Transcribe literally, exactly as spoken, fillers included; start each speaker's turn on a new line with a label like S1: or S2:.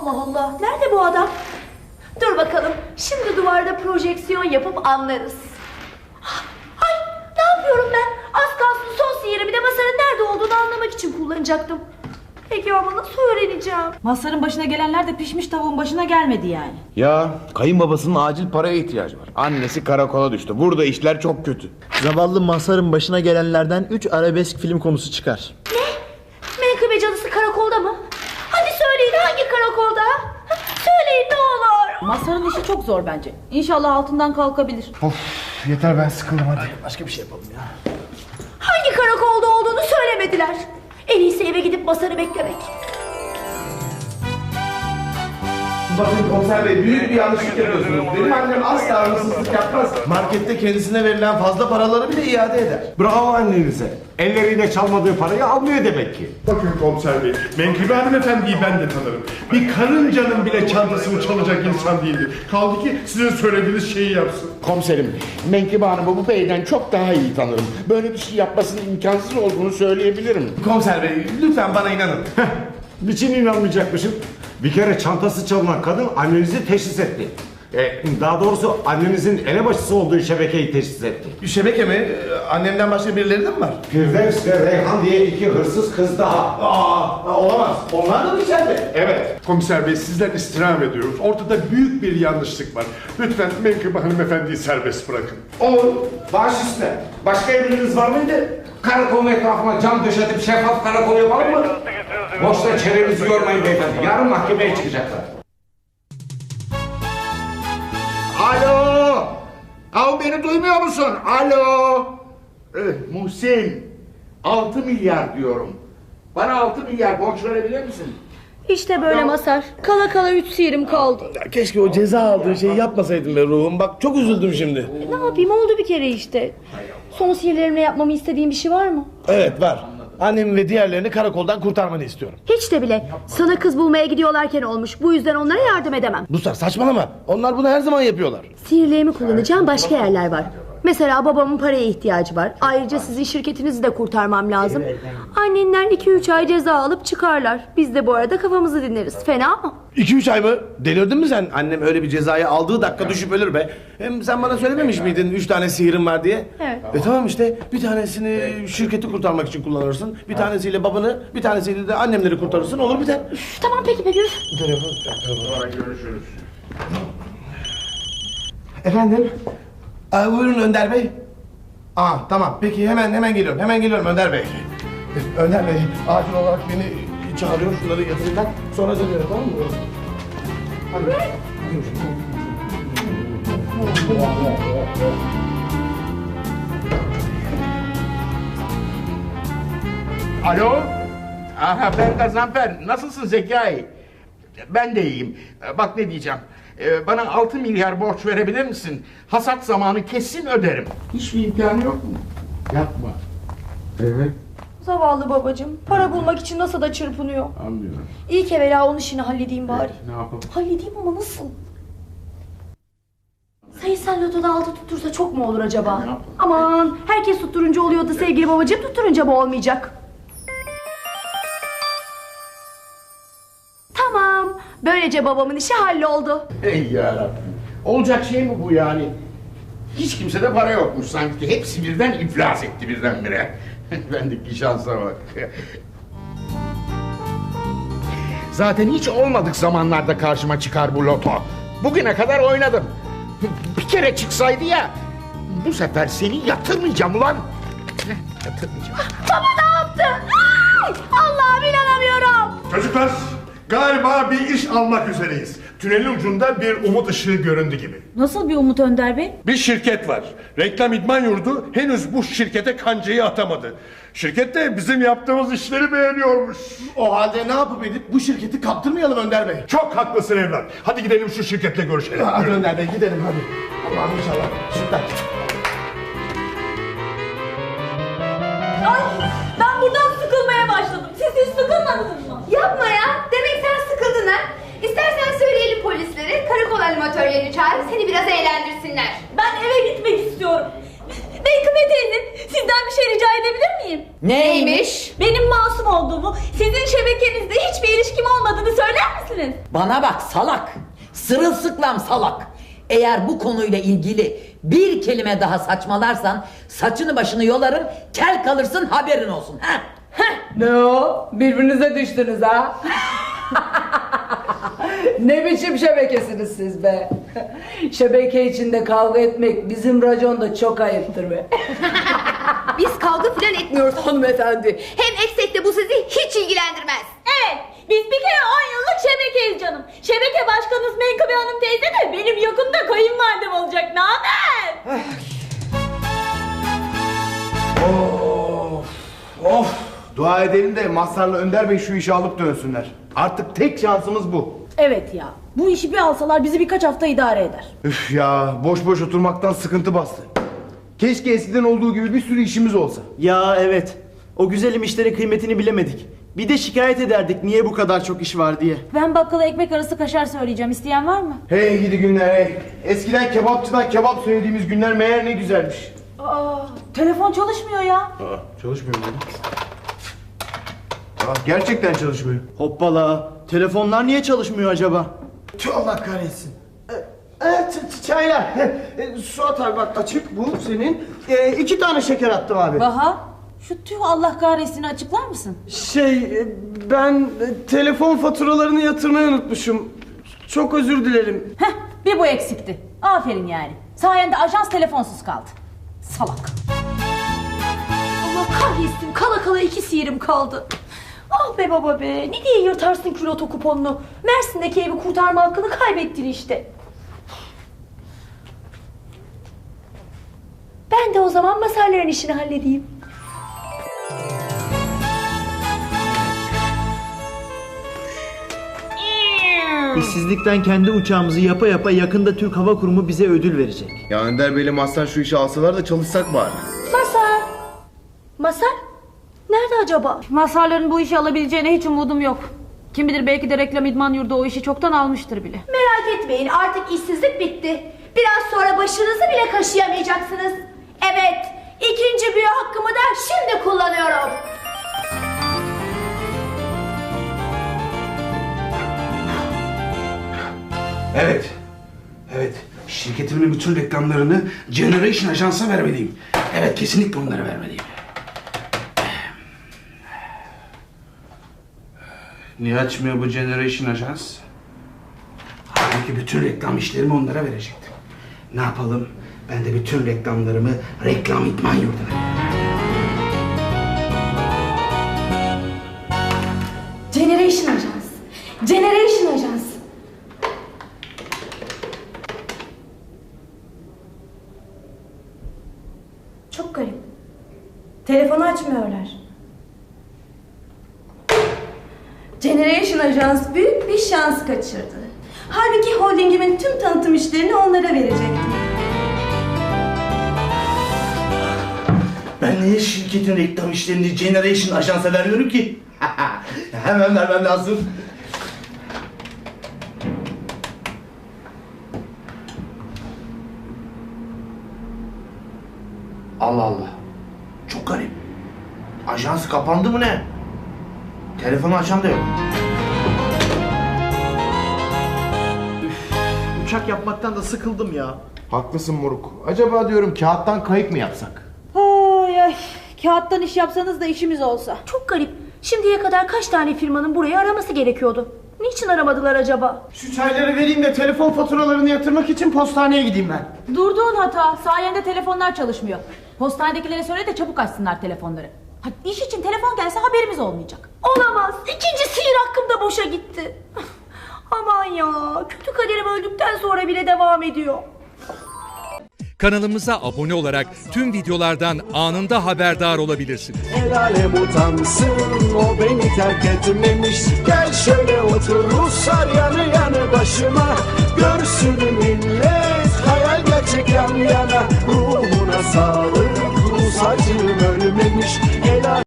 S1: Allah Allah. Nerede bu adam? Dur bakalım. Şimdi duvarda projeksiyon yapıp anlarız. Ay, ne yapıyorum ben? Az kalsın son sihirimi de Mazhar'ın nerede olduğunu anlamak için kullanacaktım. Peki ama nasıl öğreneceğim?
S2: Mazhar'ın başına gelenler de pişmiş tavuğun başına gelmedi yani.
S3: Ya kayınbabasının acil paraya ihtiyacı var. Annesi karakola düştü. Burada işler çok kötü.
S4: Zavallı Mazhar'ın başına gelenlerden üç arabesk film konusu çıkar.
S1: Ne? Menkıbe cadısı karakolda mı? Hadi söyleyin, hangi karakolda? Söyleyin ne olur.
S2: Mazhar'ın işi çok zor bence. İnşallah altından kalkabilir.
S3: Of, yeter, ben sıkıldım hadi.
S4: Başka bir şey yapalım ya.
S1: Hangi karakolda olduğunu söylemediler. En iyisi eve gidip Mazhar'ı beklemek.
S5: Bakın komiser bey, büyük bir yanlışlık yapıyorsunuz. Benim annem asla hırsızlık yapmaz. Markette kendisine verilen fazla paraları bile iade eder.
S6: Bravo annenize. Elleriyle çalmadığı parayı almıyor demek ki.
S7: Bakın komiser bey, Menkıbe hanımefendiyi ben de tanırım. Bir karıncanın bile çantasını çalacak insan değildir. Kaldı ki sizin söylediğiniz şeyi yapsın.
S3: Komiserim, Menkıbe Hanım'ı bu beyden çok daha iyi tanırım. Böyle bir şey yapmasının imkansız olduğunu söyleyebilirim.
S5: Komiser bey, lütfen bana inanın.
S6: Niçin inanmayacakmışım? Bir kere çantası çalınan kadın annenizi teşhis etti. E, daha doğrusu annenizin elebaşısı olduğu şebekeyi teşhis etti.
S5: Şebeke mi? Annemden başka birileri de mi var?
S6: Firdevs ve Reyhan diye iki hırsız kız daha.
S5: Aa, olamaz. Onlar da mı içeride?
S7: Evet, komiser bey, sizden istirham ediyoruz. Ortada büyük bir yanlışlık var. Lütfen Menkıbe hanımefendiyi serbest bırakın.
S3: Olur, baş üstüne. Başka emriniz var mıydı? Karakolun etrafına cam döşetip şeffaf karakol yapalım mı? Boşta çenenizi yormayın beyefendi. Yarın mahkemeye çıkacaklar. Alo! Av beni duymuyor musun? Alo! Eh, Muhsin, altı milyar diyorum. Bana altı milyar borç verebilir misin?
S1: İşte böyle Mazhar. Kala kala üç sihirim kaldı.
S5: Ya keşke o ceza aldığı şeyi yapmasaydım be ruhum. Bak çok üzüldüm şimdi.
S1: Ne yapayım, oldu bir kere işte. Son sihirlerimle yapmamı istediğin bir şey var mı?
S5: Evet var. Annemi ve diğerlerini karakoldan kurtarmanı istiyorum.
S1: Hiç de bile. Sana kız bulmaya gidiyorlarken olmuş. Bu yüzden onlara yardım edemem.
S5: Ruslar saçmalama. Onlar bunu her zaman yapıyorlar.
S1: Sihirlerimi kullanacağım başka yerler var. Mesela babamın paraya ihtiyacı var. Ayrıca sizin şirketinizi de kurtarmam lazım. Annenler iki üç ay ceza alıp çıkarlar. Biz de bu arada kafamızı dinleriz. Fena mı?
S5: iki üç ay mı? Delirdin mi sen? Annem öyle bir cezayı aldığı dakika düşüp ölür be. Hem sen bana söylememiş miydin üç tane sihirim var diye?
S1: Evet.
S5: E tamam işte, bir tanesini şirketi kurtarmak için kullanırsın. Bir tanesiyle babanı, bir tanesiyle de annemleri kurtarırsın. Olur biter.
S1: Üf, tamam peki peki.
S3: Görüşürüz.
S5: Efendim? Aa, buyurun Önder Bey. Aa tamam peki, hemen hemen geliyorum. Hemen geliyorum Önder Bey. Önder Bey acil olarak beni çağırıyor, şunları yatırayım ben. Sonra dönüyorum, tamam mı? Hadi.
S3: Alo? Aha, ben Gazanfer. Nasılsın Zekai? Ben de iyiyim. Bak ne diyeceğim. Ee, bana altı milyar borç verebilir misin? Hasat zamanı kesin öderim. Hiçbir imkanı yok mu? Yapma. Evet,
S1: Zavallı babacığım. Para bulmak için nasıl da çırpınıyor.
S3: anlıyorum.
S1: İyi ki evvela onun işini halledeyim bari.
S3: Ne yapalım?
S1: Halledeyim ama nasıl? Sayısal lotoda altı tuttursa çok mu olur acaba? Aman, herkes tutturunca oluyordu sevgili babacığım, tutturunca mı olmayacak? Tamam, böylece babamın işi halloldu.
S3: Ey yarabbim. Olacak şey mi bu yani? Hiç kimsede para yokmuş sanki. Hepsi birden iflas etti birdenbire. Bendeki şansa bak. Zaten hiç olmadık zamanlarda karşıma çıkar bu loto. Bugüne kadar oynadım. Bir kere çıksaydı ya. Bu sefer seni yatırmayacağım ulan. Yatırmayacağım.
S1: Baba ne yaptı? Ay, Allah'ım inanamıyorum.
S7: Çocuklar, galiba bir iş almak üzereyiz. Tünelin ucunda bir umut ışığı göründü gibi.
S2: Nasıl bir umut Önder Bey?
S7: Bir şirket var. Reklam İdman Yurdu henüz bu şirkete kancayı atamadı. Şirket de bizim yaptığımız işleri beğeniyormuş.
S5: O halde ne yapıp edip bu şirketi kaptırmayalım Önder Bey.
S7: Çok haklısın evlat. Hadi gidelim şu şirketle görüşelim.
S5: Hadi
S7: Yürü.
S5: Önder Bey gidelim hadi. Allah'ım inşallah. Süper.
S1: Ay, ben buradan sıkılmaya başladım. Siz hiç sıkılmadınız mı? Yapma ya. Demek sen sıkıldın ha. İstersen söyleyelim polislere. Karakol animatörlerini çağırıp seni biraz eğlendirsinler. Ben eve gitmek istiyorum. Menkıbe teyze, sizden bir şey rica edebilir miyim?
S2: Neymiş?
S1: Benim masum olduğumu, sizin şebekenizde hiçbir ilişkim olmadığını söyler misiniz? misiniz?
S8: Bana bak salak. Sırılsıklam salak. Eğer bu konuyla ilgili bir kelime daha saçmalarsan saçını başını yolarım, kel kalırsın, haberin olsun. Ha?
S9: Ne o? Birbirinize düştünüz ha? Ne biçim şebekesiniz siz be? Şebeke içinde kavga etmek bizim raconda çok ayıptır be.
S1: Biz kavga filan etmiyoruz hanımefendi. Hem etsek de bu sizi hiç ilgilendirmez. Evet, biz bir kere on yıllık şebekeyiz canım. Şebeke başkanımız Menkıbe Hanım teyze de benim yakında kayınvalidem olacak. Ne haber?
S5: Of, of. Dua edelim de Mazhar'la Önder Bey şu işi alıp dönsünler. Artık tek şansımız bu.
S2: Evet ya. Bu işi bir alsalar bizi birkaç hafta idare eder.
S5: Üf ya, boş boş oturmaktan sıkıntı bastı. Keşke eskiden olduğu gibi bir sürü işimiz olsa.
S4: Ya evet. O güzelim işlerin kıymetini bilemedik. Bir de şikayet ederdik niye bu kadar çok iş var diye.
S2: Ben bakkala ekmek arası kaşar söyleyeceğim. İsteyen var mı?
S5: Hey gidi günler hey. Eskiden kebapçıdan kebap söylediğimiz günler meğer ne güzelmiş.
S2: Aa, telefon çalışmıyor ya.
S5: Aa, çalışmıyor mu? Aa, gerçekten çalışmıyor.
S4: Hoppala. Telefonlar niye çalışmıyor acaba?
S5: Tüh, Allah kahretsin. Evet, çaylar. E, Suat abi bak açık bu senin. E, iki tane şeker attım abi.
S2: Baha, şu tüh Allah kahretsin açıklar mısın?
S10: Şey, e, ben e, telefon faturalarını yatırmayı unutmuşum. Çok özür dilerim.
S2: Heh, bir bu eksikti. Aferin yani. Sayende ajans telefonsuz kaldı. Salak.
S1: Allah kahretsin, kala kala iki sihirim kaldı. Ah be baba be, ne diye yırtarsın küloto kuponunu? Mersin'deki evi kurtarma hakkını kaybettin işte. Ben de o zaman Mazhar'ların işini halledeyim.
S4: İşsizlikten kendi uçağımızı yapa yapa yakında Türk Hava Kurumu bize ödül verecek.
S5: Ya Önder Bey'le Mazhar şu işi alsalar da çalışsak bari.
S1: Mazhar! Mazhar? Nerede acaba?
S2: Mazharların bu işi alabileceğine hiç umudum yok. Kim bilir belki de reklam idman yurdu o işi çoktan almıştır bile.
S1: Merak etmeyin, artık işsizlik bitti. Biraz sonra başınızı bile kaşıyamayacaksınız. Evet, ikinci büyü hakkımı da şimdi kullanıyorum.
S11: Evet. Evet. Şirketimin bütün reklamlarını Generation Ajans'a vermeliyim. Evet, kesinlikle onlara vermeliyim. Niye açmıyor bu Generation Ajans? Halbuki bütün reklam işlerimi onlara verecektim. Ne yapalım? Ben de bütün reklamlarımı Reklam İdman Yurdu'na.
S1: Generation Ajans. Generation Ajans. Çok garip. Telefonu açmıyorlar. Generation Ajans büyük bir şans kaçırdı. Halbuki holdingimin tüm tanıtım işlerini onlara verecektim.
S5: Ben niye şirketin reklam işlerini Generation Ajans'a veriyorum ki? Hemen vermem lazım. Allah Allah. Çok garip. Ajans kapandı mı ne? Telefonu açan da yok.
S4: Uçak yapmaktan da sıkıldım ya.
S5: Haklısın moruk. Acaba diyorum kağıttan kayık mı yapsak?
S2: Ay ay. Kağıttan iş yapsanız da işimiz olsa.
S1: Çok garip. Şimdiye kadar kaç tane firmanın burayı araması gerekiyordu? Niçin aramadılar acaba?
S10: Şu çayları vereyim de telefon faturalarını yatırmak için postaneye gideyim ben.
S2: Durduğun hata. Sayende telefonlar çalışmıyor. Postanedekilere söyle de çabuk açsınlar telefonları. Ha, iş için telefon gelse haberimiz olmayacak.
S1: Olamaz. İkinci sihir hakkım da boşa gitti. Aman ya. Kötü kaderim öldükten sonra bile devam ediyor.
S12: Kanalımıza abone olarak tüm videolardan anında haberdar olabilirsiniz.
S13: El alem utansın, o beni terk etmemiş. Gel şöyle